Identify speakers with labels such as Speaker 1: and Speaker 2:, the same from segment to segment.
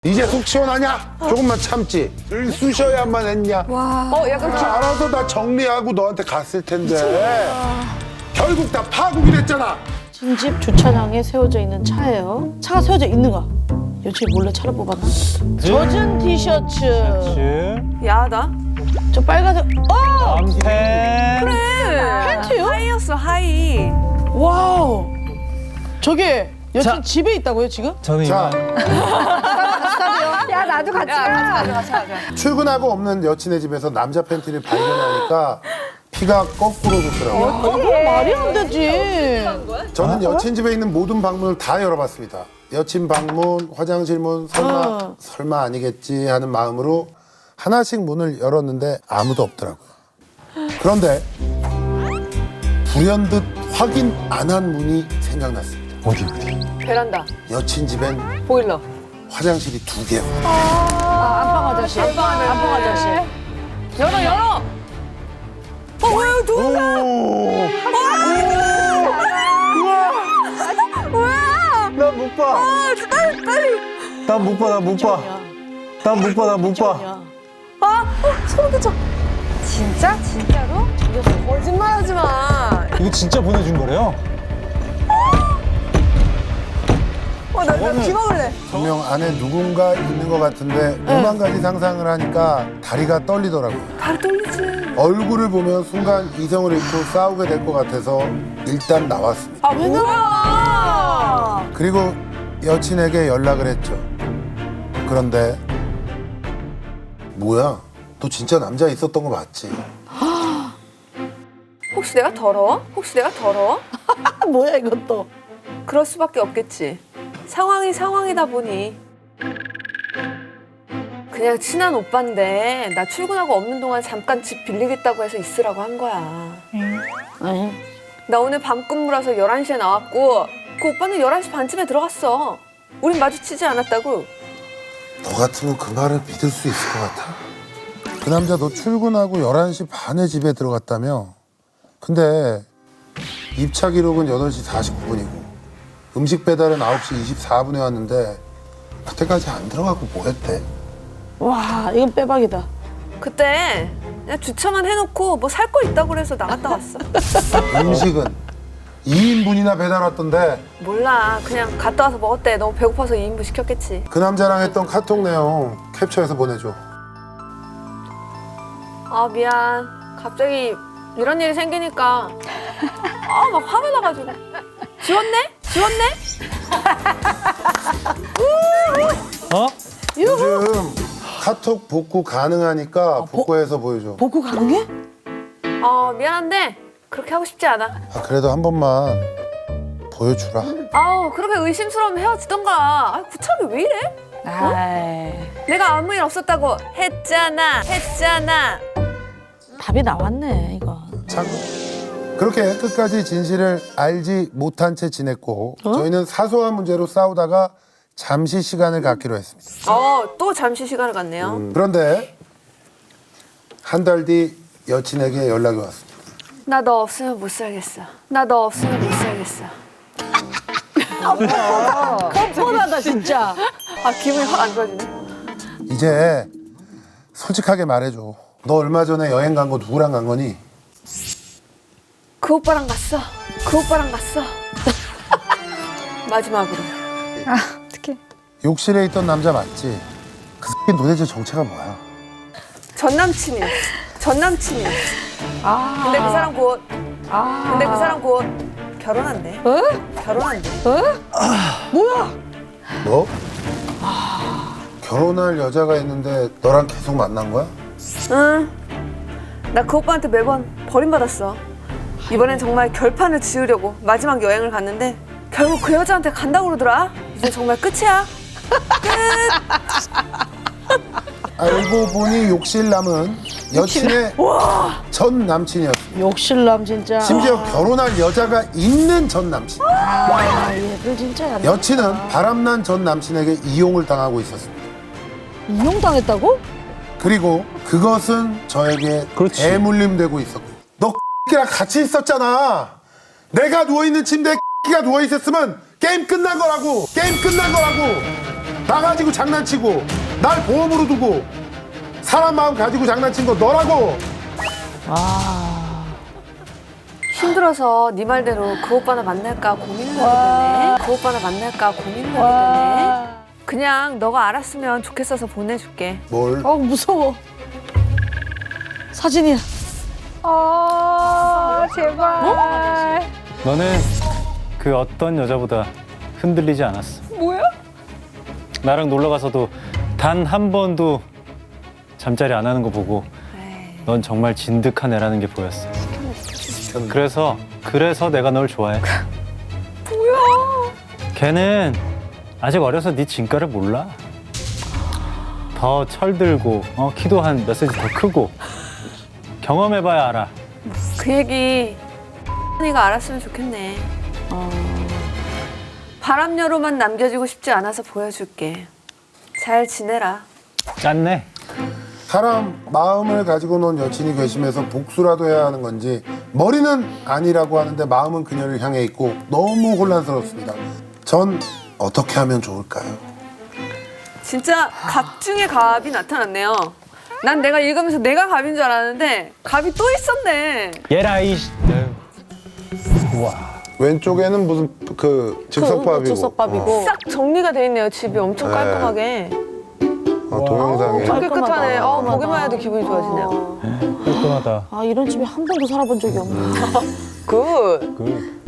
Speaker 1: 이제 속 시원하냐? 조금만 참지. 쑤셔야만 했냐?
Speaker 2: 약간
Speaker 1: 알아서 다 정리하고 너한테 갔을 텐데. 결국 다 파국이 됐잖아.
Speaker 3: 찐집 주차장에 세워져 있는 차예요. 차가 세워져 있는가? 여친 몰래 차를 뽑았나? 젖은 티셔츠.
Speaker 2: 야하다.
Speaker 3: 저 빨간색.
Speaker 4: 남편.
Speaker 3: 팬티요?
Speaker 2: 하이였어, 하이.
Speaker 3: 와우. 저게 여친
Speaker 4: 자.
Speaker 3: 집에 있다고요 지금?
Speaker 4: 저는
Speaker 1: 자,
Speaker 2: 야, 나도 같이 가.
Speaker 1: 출근하고 없는 여친의 집에서 남자 팬티를 발견하니까 피가 거꾸로 돋더라고요.
Speaker 3: 그건 말이 안 되지.
Speaker 1: 저는 여친 집에 있는 모든 방문을 다 열어봤습니다. 여친 방문, 화장실 문, 설마 아니겠지 하는 마음으로 하나씩 문을 열었는데 아무도 없더라고요. 그런데 불현듯 확인 안 한 문이 생각났습니다.
Speaker 4: 어디?
Speaker 2: 베란다.
Speaker 1: 여친 집엔
Speaker 2: 보일러.
Speaker 1: 화장실이 2개요.
Speaker 3: 안방 아저씨. 안방 아저씨.
Speaker 2: 열어. 뭐야, 누구야?
Speaker 4: 난 못 봐.
Speaker 2: 빨리.
Speaker 4: 난 못 봐. 난 못 봐. 난 못 봐. 난 못 봐.
Speaker 2: 소름 끼쳐. 진짜? 진짜로? 거짓말 하지 마.
Speaker 4: 이거 진짜 보내준 거래요?
Speaker 2: 나 기막을래.
Speaker 1: 분명 안에 누군가 있는 것 같은데 오만 가지 상상을 하니까 다리가 떨리더라고요.
Speaker 2: 다리 떨리지.
Speaker 1: 얼굴을 보면 순간 이성을 잃고 싸우게 될 것 같아서 일단 나왔습니다.
Speaker 2: 왜 나와?
Speaker 1: 그리고 여친에게 연락을 했죠. 그런데 뭐야? 너 진짜 남자 있었던 거 맞지?
Speaker 2: 혹시 내가 더러워?
Speaker 3: 뭐야 이것도.
Speaker 2: 그럴 수밖에 없겠지. 상황이 상황이다 보니. 그냥 친한 오빠인데 나 출근하고 없는 동안 잠깐 집 빌리겠다고 해서 있으라고 한 거야.
Speaker 3: 아니.
Speaker 2: 나 오늘 밤 근무라서 11시에 나왔고 그 오빠는 11시 반쯤에 들어갔어. 우린 마주치지 않았다고.
Speaker 1: 너 같으면 그 말을 믿을 수 있을 것 같아. 그 남자 너 출근하고 11시 반에 집에 들어갔다며? 근데 입차 기록은 8시 49분이고 음식 배달은 9시 24분에 왔는데 그때까지 안 들어가고 뭐 했대?
Speaker 3: 와 이건 빼박이다.
Speaker 2: 그때 그냥 주차만 해놓고 뭐 살 거 있다고 그래서 나갔다 왔어.
Speaker 1: 음식은 2인분이나 배달 왔던데
Speaker 2: 몰라. 그냥 갔다 와서 먹었대. 너무 배고파서 2인분 시켰겠지.
Speaker 1: 그 남자랑 했던 카톡 내용 캡처해서 보내줘.
Speaker 2: 아 미안. 갑자기 이런 일이 생기니까 막 화가 나가지고. 지웠네?
Speaker 4: 어?
Speaker 1: 요즘 카톡 복구 가능하니까 복구해서 보여줘.
Speaker 3: 복구 가능해?
Speaker 2: 미안한데 그렇게 하고 싶지 않아.
Speaker 1: 아, 그래도 한 번만 보여주라.
Speaker 2: 그렇게 의심스러우면 헤어지던가. 구차하게 왜 이래?
Speaker 3: 아이.
Speaker 2: 내가 아무 일 없었다고 했잖아.
Speaker 3: 답이 나왔네 이거.
Speaker 1: 참 그렇게 끝까지 진실을 알지 못한 채 지냈고 저희는 사소한 문제로 싸우다가 잠시 시간을 갖기로 했습니다.
Speaker 2: 또 잠시 시간을 갖네요.
Speaker 1: 그런데 한 달 뒤 여친에게 연락이 왔습니다.
Speaker 2: 나 너 없으면 못 살겠어.
Speaker 3: 뻔하다 진짜.
Speaker 2: 기분이 확 안 좋아지네.
Speaker 1: 이제 솔직하게 말해줘. 너 얼마 전에 여행 간 거 누구랑 간 거니?
Speaker 2: 그 오빠랑 갔어. 마지막으로. 어떡해.
Speaker 1: 욕실에 있던 남자 맞지? 그 새끼 도대체 정체가 뭐야?
Speaker 2: 전 남친이었어. 근데 그 사람 곧 결혼한대.
Speaker 3: 뭐야?
Speaker 1: 뭐? 결혼할 여자가 있는데 너랑 계속 만난 거야?
Speaker 2: 응. 나 그 오빠한테 매번 버림받았어. 이번엔 정말 결판을 지으려고 마지막 여행을 갔는데 결국 그 여자한테 간다고 그러더라. 이제 정말 끝이야.
Speaker 1: 알고 보니 욕실남은 여친의 전 남친이었어.
Speaker 3: 욕실남 진짜.
Speaker 1: 심지어 결혼할 여자가 있는 전 남친.
Speaker 3: 얘들 진짜 야.
Speaker 1: 여친은 바람난 전 남친에게 이용을 당하고 있었습니다.
Speaker 3: 이용당했다고?
Speaker 1: 그리고 그것은 저에게
Speaker 4: 그렇지.
Speaker 1: 대물림되고 있었고 너 X랑 같이 있었잖아. 내가 누워있는 침대에 X가 누워있었으면 게임 끝난 거라고. 나 가지고 장난치고 날 보험으로 두고 사람 마음 가지고 장난친 거 너라고.
Speaker 2: 힘들어서 네 말대로 그 오빠나 만날까 고민을 하게 되네. 그 오빠나 만날까 고민을 하게 되네. 그냥 너가 알았으면 좋겠어서 보내줄게.
Speaker 1: 뭘?
Speaker 3: 무서워. 사진이야.
Speaker 2: 제발.
Speaker 4: 너는 그 어떤 여자보다 흔들리지 않았어.
Speaker 2: 뭐야?
Speaker 4: 나랑 놀러 가서도 단 한 번도 잠자리 안 하는 거 보고 넌 정말 진득한 애라는 게 보였어. 그래서 내가 널 좋아해.
Speaker 2: 뭐야?
Speaker 4: 걔는 아직 어려서 네 진가를 몰라. 더 철들고 키도 한 몇 센치 더 크고 경험해봐야 알아.
Speaker 2: 그 얘기 네가 알았으면 좋겠네. 바람녀로만 남겨지고 싶지 않아서 보여줄게. 잘 지내라.
Speaker 4: 짠네.
Speaker 1: 사람 마음을 가지고 논 여친이 괘씸해서 복수라도 해야 하는 건지 머리는 아니라고 하는데 마음은 그녀를 향해 있고 너무 혼란스럽습니다. 전 어떻게 하면 좋을까요?
Speaker 2: 진짜 갑 중에 갑이 나타났네요. 난 내가 읽으면서 내가 갑인 줄 알았는데 갑이 또 있었네.
Speaker 4: 얘라 이.
Speaker 1: 왼쪽에는 무슨 그 즉석밥이고
Speaker 3: 즉석밥이고.
Speaker 2: 싹 정리가 돼 있네요. 집이 엄청
Speaker 1: 네.
Speaker 2: 깔끔하게.
Speaker 1: 동영상에
Speaker 2: 엄청 깨끗하네.
Speaker 3: 깔끔하다.
Speaker 2: 보기만 해도 기분이 좋아지네요.
Speaker 4: 깔끔하다.
Speaker 3: 아, 이런 집에 한 번도 살아본 적이 없네.
Speaker 2: 굿.
Speaker 4: 그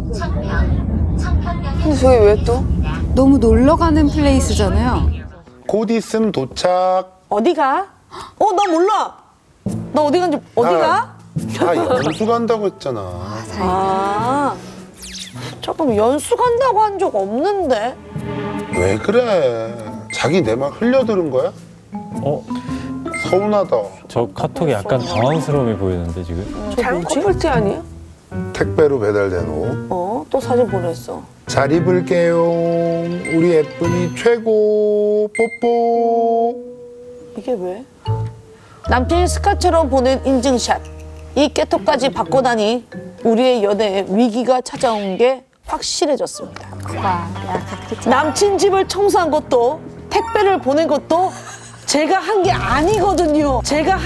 Speaker 2: 근데 저기 왜 또?
Speaker 5: 너무 놀러 가는 플레이스잖아요.
Speaker 1: 곧 있음 도착.
Speaker 3: 어디가? 나 몰라. 나 어디 간지 어디가?
Speaker 1: 나 연수 간다고 했잖아.
Speaker 3: 아, 잠깐 연수 간다고 한 적 없는데.
Speaker 1: 왜 그래? 자기 내 말 흘려들은 거야? 서운하다.
Speaker 4: 저 카톡이 약간 당황스러움이 보이는데 지금.
Speaker 2: 잘못 커플티 아니에요?
Speaker 1: 택배로 배달된 옷.
Speaker 3: 또 사진 보냈어.
Speaker 1: 잘 입을게요. 우리 예쁜이 최고. 뽀뽀.
Speaker 3: 이게 왜? 남친이 스카처럼 보낸 인증샷. 이 깨톡까지 받고 나니 우리의 연애에 위기가 찾아온 게 확실해졌습니다. 남친 집을 청소한 것도 택배를 보낸 것도 제가 한 게 아니거든요.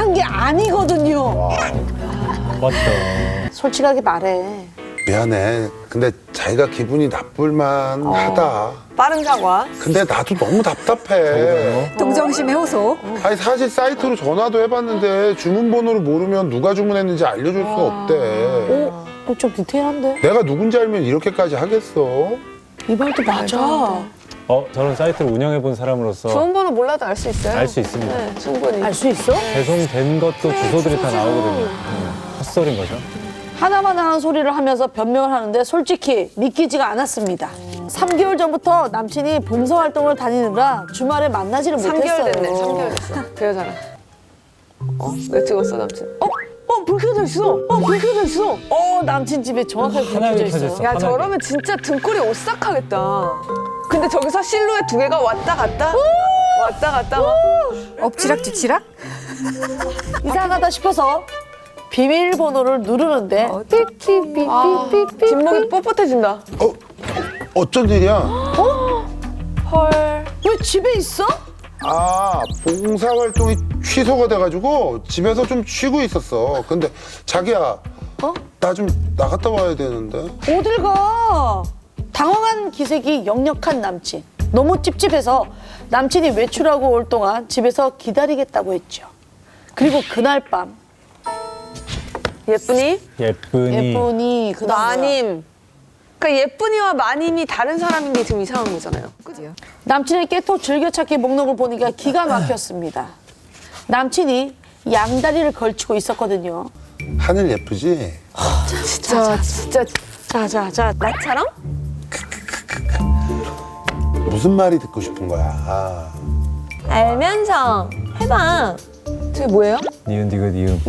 Speaker 4: 맞다.
Speaker 3: 솔직하게 말해.
Speaker 1: 미안해. 근데 자기가 기분이 나쁠만 하다.
Speaker 2: 빠른 사과.
Speaker 1: 근데 나도 너무 답답해.
Speaker 5: 동정심의 호소.
Speaker 1: 아니 사실 사이트로 전화도 해봤는데 주문번호를 모르면 누가 주문했는지 알려줄 수가 없대.
Speaker 3: 좀 디테일한데?
Speaker 1: 내가 누군지 알면 이렇게까지 하겠어?
Speaker 3: 이 말도 맞아.
Speaker 4: 저런 사이트를 운영해 본 사람으로서
Speaker 2: 좋은 번호 몰라도 알 수 있어요?
Speaker 4: 알 수 있습니다.
Speaker 2: 네, 충분히.
Speaker 3: 알 수 있어?
Speaker 4: 배송된 것도 주소들이 다 나오거든요. 헛소리인 거죠.
Speaker 3: 하나만 하는 소리를 하면서 변명을 하는데 솔직히 믿기지가 않았습니다. 3개월 전부터 남친이 봉사활동을 다니느라 주말에 만나지를
Speaker 2: 3개월
Speaker 3: 못했어요.
Speaker 2: 됐네. 3개월 됐어. 그 여자랑. 왜 찍었어 남친?
Speaker 3: 불 켜져 있어. 남친 집에 정확하게 불
Speaker 4: 하나에
Speaker 3: 켜져
Speaker 4: 켜져
Speaker 3: 있어.
Speaker 4: 있어.
Speaker 2: 야
Speaker 4: 화나게.
Speaker 2: 저러면 진짜 등골이 오싹하겠다. 근데 저기서 실루엣 두 개가 왔다 갔다 막.
Speaker 5: 엎치락 뒤치락?
Speaker 3: 이상하다 싶어서 비밀번호를 누르는데 삐삐삐삐삐삐.
Speaker 2: 뒷목이 뻣뻣해진다.
Speaker 1: 어쩐 일이야?
Speaker 2: 헐.
Speaker 3: 왜 집에 있어?
Speaker 1: 아, 봉사활동이 취소가 돼가지고 집에서 좀 쉬고 있었어. 근데 자기야, 나 좀 나갔다 와야 되는데.
Speaker 3: 어딜 가? 당황한 기색이 역력한 남친. 너무 찝찝해서 남친이 외출하고 올 동안 집에서 기다리겠다고 했죠. 그리고 그날 밤
Speaker 2: 예쁜이?
Speaker 3: 예쁜이 그
Speaker 2: 마님. 그러니까 예쁜이와 마님이 다른 사람인 게 지금 이상한 거잖아요.
Speaker 3: 남친의 깨톡 즐겨찾기 목록을 보니까 기가 막혔습니다. 남친이 양다리를 걸치고 있었거든요.
Speaker 1: 하늘 예쁘지?
Speaker 2: 진짜.
Speaker 3: 자자자
Speaker 2: 나처럼?
Speaker 1: 무슨 말이 듣고 싶은 거야?
Speaker 2: 알면서 해봐. 저게 뭐예요?
Speaker 4: 니은 디귿 이음.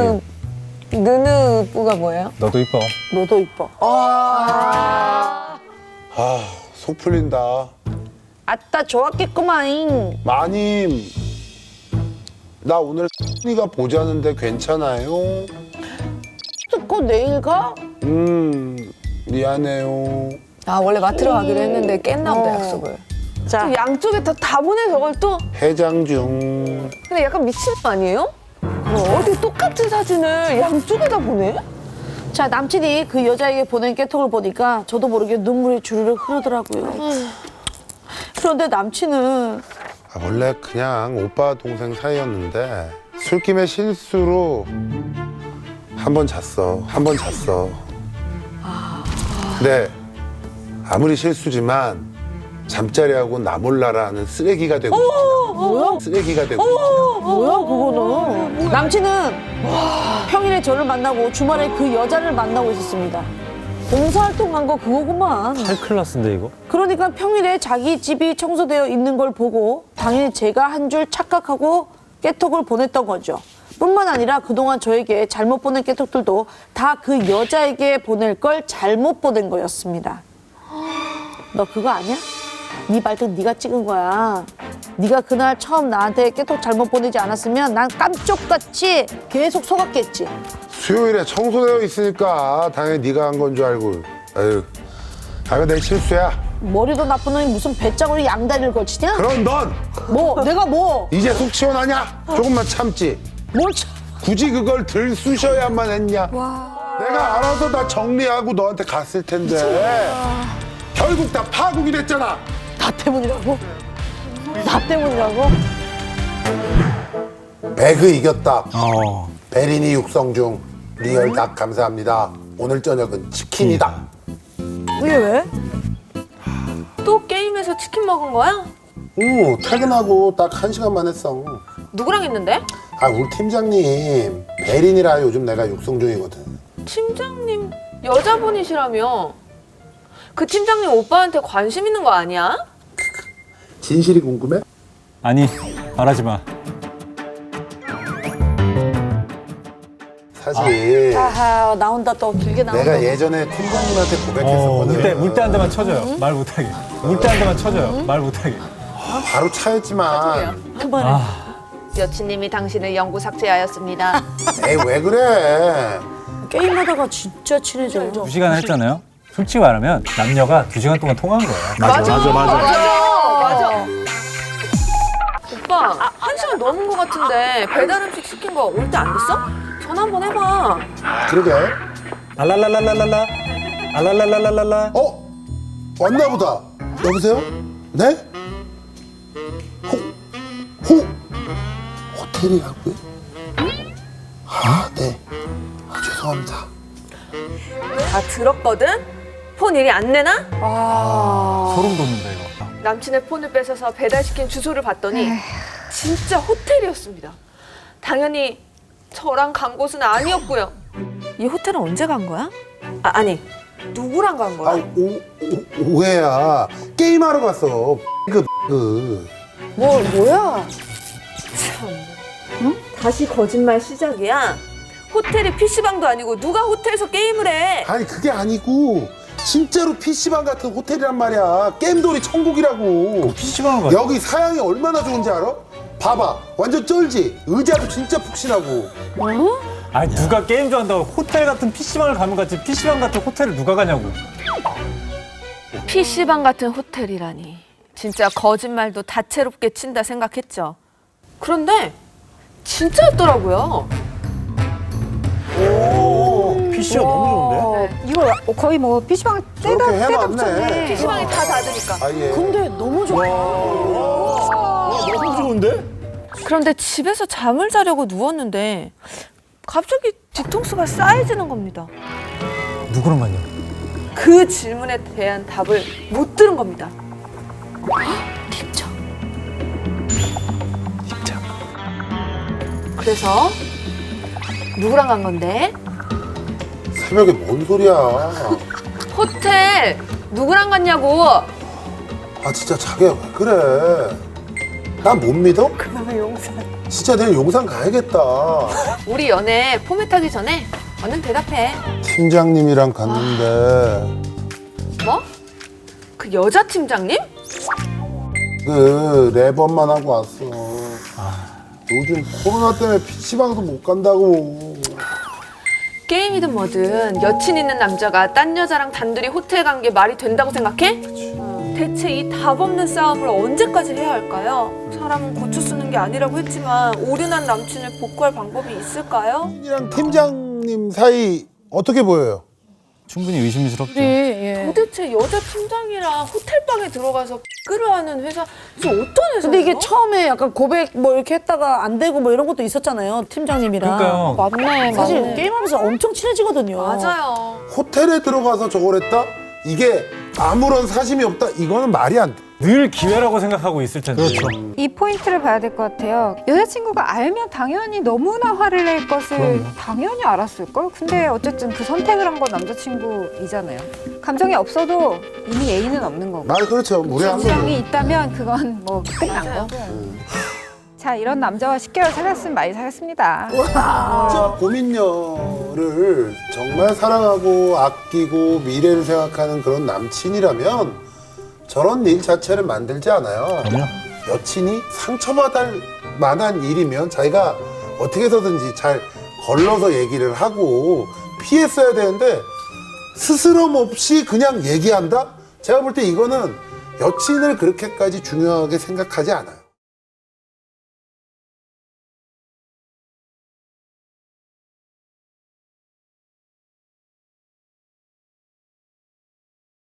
Speaker 2: 느느뿌가 뭐예요?
Speaker 4: 너도 이뻐.
Speaker 3: 너도 이뻐.
Speaker 1: 아, 속 풀린다.
Speaker 3: 아따 좋았겠구만.
Speaker 1: 마님, 나 오늘 니가 보자는데 괜찮아요?
Speaker 3: 듣고 내일 가?
Speaker 1: 미안해요.
Speaker 2: 아 원래 마트로 가기로 했는데 깼나 보다 약속을.
Speaker 3: 자,
Speaker 2: 또 양쪽에 다 보내 저걸 또.
Speaker 1: 해장 중.
Speaker 2: 근데 약간 미친 거 아니에요? 어디 똑같은 사진을 양쪽에다 보내?
Speaker 3: 자, 남친이 그 여자에게 보낸 깨톡을 보니까 저도 모르게 눈물이 주르륵 흐르더라고요. 그런데 남친은
Speaker 1: 원래 그냥 오빠 동생 사이였는데 술김에 실수로 한 번 잤어. 근데 아무리 실수지만 잠자리하고 나 몰라라는 쓰레기가 되고 있지. 쓰레기가 되고 있지.
Speaker 3: 뭐야 그거는? 남친은 평일에 저를 만나고 주말에 그 여자를 만나고 있었습니다. 봉사활동한 거 그거구만.
Speaker 4: 하이클래스인데 이거?
Speaker 3: 그러니까 평일에 자기 집이 청소되어 있는 걸 보고 당연히 제가 한 줄 착각하고 깨톡을 보냈던 거죠. 뿐만 아니라 그동안 저에게 잘못 보낸 깨톡들도 다 그 여자에게 보낼 걸 잘못 보낸 거였습니다. 너 그거 아니야? 네 발등 네가 찍은 거야. 네가 그날 처음 나한테 깨톡 잘못 보내지 않았으면 난 깜쪽같이 계속 속았겠지.
Speaker 1: 수요일에 청소되어 있으니까 당연히 네가 한 건 줄 알고. 아유, 이거 내 실수야.
Speaker 3: 머리도 나쁜 놈이 무슨 배짱으로 양다리를 걸치냐?
Speaker 1: 그럼 넌
Speaker 3: 뭐? 내가 뭐?
Speaker 1: 이제 속 시원하냐? 조금만 참지.
Speaker 3: 뭘 참.
Speaker 1: 굳이 그걸 들쑤셔야만 했냐? 내가 알아서 다 정리하고 너한테 갔을 텐데 결국 다 파국이 됐잖아.
Speaker 3: 나 때문이라고? 나 때문이라고?
Speaker 1: 배그 이겼다. 베리니 육성 중 리얼 닭 감사합니다. 오늘 저녁은 치킨이다.
Speaker 3: 이게 왜?
Speaker 2: 또 게임에서 치킨 먹은 거야?
Speaker 1: 오, 퇴근하고 딱 1시간만 했어.
Speaker 2: 누구랑 했는데?
Speaker 1: 아, 우리 팀장님 베린이라 요즘 내가 육성 중이거든.
Speaker 2: 팀장님 여자분이시라며. 그 팀장님 오빠한테 관심 있는 거 아니야?
Speaker 1: 진실이 궁금해?
Speaker 4: 아니, 말하지 마.
Speaker 1: 사실
Speaker 3: 아하, 나온다 또 길게 나온다.
Speaker 1: 내가 예전에 팀장님한테 고백했었거든.
Speaker 4: 물때 한 대만 쳐줘요. 말 못하게. 물때 한 대만 쳐줘요. 말 못하게.
Speaker 1: 바로 차였지만
Speaker 3: 그만해.
Speaker 2: 여친님이 당신을 영구 삭제하였습니다.
Speaker 1: 에이 왜 그래?
Speaker 3: 게임하다가 진짜 친해져요.
Speaker 4: 2시간 했잖아요. 솔직히 말하면 남녀가 2시간 동안 통한 거예요.
Speaker 2: 맞아. 오빠, 1시간 넘은 거 같은데 배달 음식 시킨 거 올 때 안 됐어? 전화 한번 해봐.
Speaker 1: 그러게.
Speaker 4: 알랄랄랄랄랄라. 알랄랄랄랄라.
Speaker 1: 어? 왔나 보다. 여보세요? 네? 호텔이라고요? 아, 네. 아, 죄송합니다.
Speaker 2: 다 들었거든? 폰 일이 안 내나?
Speaker 4: 소름 돋는다 이거.
Speaker 2: 남친의 폰을 뺏어서 배달시킨 주소를 봤더니 진짜 호텔이었습니다. 당연히 저랑 간 곳은 아니었고요. 이 호텔은 언제 간 거야? 아니 누구랑 간
Speaker 1: 아,
Speaker 2: 거야?
Speaker 1: 오해야. 게임하러 갔어.
Speaker 3: 뭐야?
Speaker 2: 다시 거짓말 시작이야. 호텔이 PC방도 아니고 누가 호텔에서 게임을 해?
Speaker 1: 아니 그게 아니고 진짜로 PC방 같은 호텔이란 말이야. 게임돌이 천국이라고.
Speaker 4: PC방을 가요?
Speaker 1: 여기 사양이 얼마나 좋은지 알아? 봐봐. 완전 쩔지? 의자도 진짜 푹신하고.
Speaker 4: 아니 누가 게임 좋아한다고 호텔 같은 PC방을 가면 같지 PC방 같은 호텔을 누가 가냐고.
Speaker 2: PC방 같은 호텔이라니. 진짜 거짓말도 다채롭게 친다 생각했죠. 그런데 진짜였더라고요.
Speaker 4: PC가 너무 좋은데?
Speaker 5: 이거 거의 뭐 PC방
Speaker 1: 저렇게
Speaker 5: 떼다
Speaker 1: 해봤네.
Speaker 2: PC방이 다 닫으니까.
Speaker 1: 아, 예.
Speaker 3: 근데 너무 좋아.
Speaker 4: 너무 좋은데?
Speaker 2: 그런데 집에서 잠을 자려고 누웠는데 갑자기 뒤통수가 쌓여지는 겁니다.
Speaker 4: 누구랑 갔냐?
Speaker 2: 그 질문에 대한 답을 못 들은 겁니다. 팀장. 그래서 누구랑 간 건데?
Speaker 1: 새벽에 뭔 소리야?
Speaker 2: 호텔 누구랑 갔냐고.
Speaker 1: 아 진짜 자기야 왜 그래? 나 못 믿어?
Speaker 2: 그놈의 용산.
Speaker 1: 진짜 내일 용산 가야겠다.
Speaker 2: 우리 연애 포맷하기 전에 얼른 대답해.
Speaker 1: 팀장님이랑 갔는데
Speaker 2: 뭐? 그 여자 팀장님?
Speaker 1: 그 랩업만 하고 왔어. 요즘 코로나 때문에 PC방도 못 간다고.
Speaker 2: 게임이든 뭐든 여친 있는 남자가 딴 여자랑 단둘이 호텔 간 게 말이 된다고 생각해? 대체 이 답 없는 싸움을 언제까지 해야 할까요? 사람은 고쳐 쓰는 게 아니라고 했지만 오륜한 남친을 복구할 방법이 있을까요?
Speaker 1: 이랑 팀장님 사이 어떻게 보여요?
Speaker 4: 충분히 의심스럽죠.
Speaker 3: 예.
Speaker 2: 도대체 여자 팀장이랑 호텔방에 들어가서 끌어하는 회사 저 어떤 회사예요?
Speaker 3: 근데 이게 처음에 약간 고백 뭐 이렇게 했다가 안 되고 뭐 이런 것도 있었잖아요. 팀장님이랑.
Speaker 4: 그러니까요.
Speaker 2: 맞네
Speaker 3: 사실 게임하면서 엄청 친해지거든요.
Speaker 2: 맞아요.
Speaker 1: 호텔에 들어가서 저걸 했다? 이게 아무런 사심이 없다? 이거는 말이 안 돼.
Speaker 4: 늘 기회라고 생각하고 있을 텐데. 그렇죠.
Speaker 5: 이 포인트를 봐야 될 것 같아요. 여자친구가 알면 당연히 너무나 화를 낼 것을 당연히 알았을걸? 근데 어쨌든 그 선택을 한 건 남자친구이잖아요. 감정이 없어도 이미 애인은 없는 거고.
Speaker 1: 말 그렇죠. 무례한 거죠.
Speaker 5: 감정이 있다면 그건 뭐 끝난 거고. 자, 이런 남자와 10개월 사귀었으면 많이 사귀었습니다.
Speaker 1: 진짜 고민녀를 정말 사랑하고 아끼고 미래를 생각하는 그런 남친이라면 저런 일 자체를 만들지 않아요.
Speaker 4: 그럼요.
Speaker 1: 여친이 상처받을 만한 일이면 자기가 어떻게 해서든지 잘 걸러서 얘기를 하고 피했어야 되는데 스스럼 없이 그냥 얘기한다? 제가 볼 때 이거는 여친을 그렇게까지 중요하게 생각하지 않아요.